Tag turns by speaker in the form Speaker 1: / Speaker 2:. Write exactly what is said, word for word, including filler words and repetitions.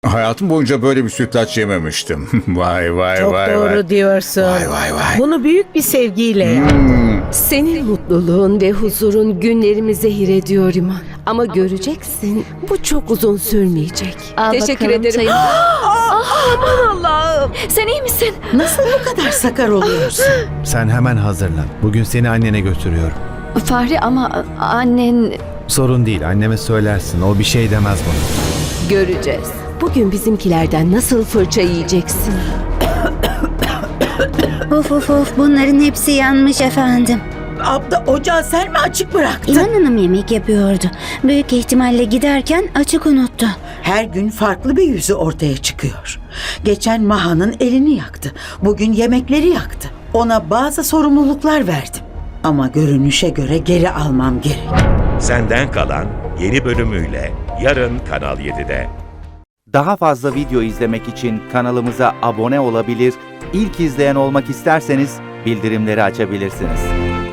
Speaker 1: Hayatım boyunca böyle bir sütlaç yememiştim. Vay vay
Speaker 2: Çok
Speaker 1: vay
Speaker 2: doğru
Speaker 1: vay.
Speaker 2: diyorsun.
Speaker 1: Vay vay vay.
Speaker 2: Bunu büyük bir sevgiyle yap.
Speaker 3: Senin mutluluğun ve huzurun günlerimi zehir ediyor İman. Ama göreceksin bu çok uzun sürmeyecek.
Speaker 4: Al
Speaker 3: Teşekkür
Speaker 4: bakalım
Speaker 3: ederim.
Speaker 4: çayını.
Speaker 3: Aman Allah'ım. Sen iyi misin?
Speaker 5: Nasıl bu kadar sakar oluyorsun?
Speaker 6: Sen hemen hazırlan. Bugün seni annene götürüyorum.
Speaker 4: Fahri ama annen...
Speaker 6: Sorun değil, anneme söylersin. O bir şey demez bana.
Speaker 3: Göreceğiz. Bugün bizimkilerden nasıl fırça yiyeceksin?
Speaker 7: Of of of, bunların hepsi yanmış efendim.
Speaker 5: Abla, ocağı sen mi açık bıraktın?
Speaker 7: İnan Hanım yemek yapıyordu. Büyük ihtimalle giderken açık unuttu.
Speaker 5: Her gün farklı bir yüzü ortaya çıkıyor. Geçen Maha'nın elini yaktı. Bugün yemekleri yaktı. Ona bazı sorumluluklar verdim. Ama görünüşe göre geri almam gerek.
Speaker 8: Senden Kalan yeni bölümüyle yarın Kanal yedide.
Speaker 9: Daha fazla video izlemek için kanalımıza abone olabilir, ilk izleyen olmak isterseniz bildirimleri açabilirsiniz.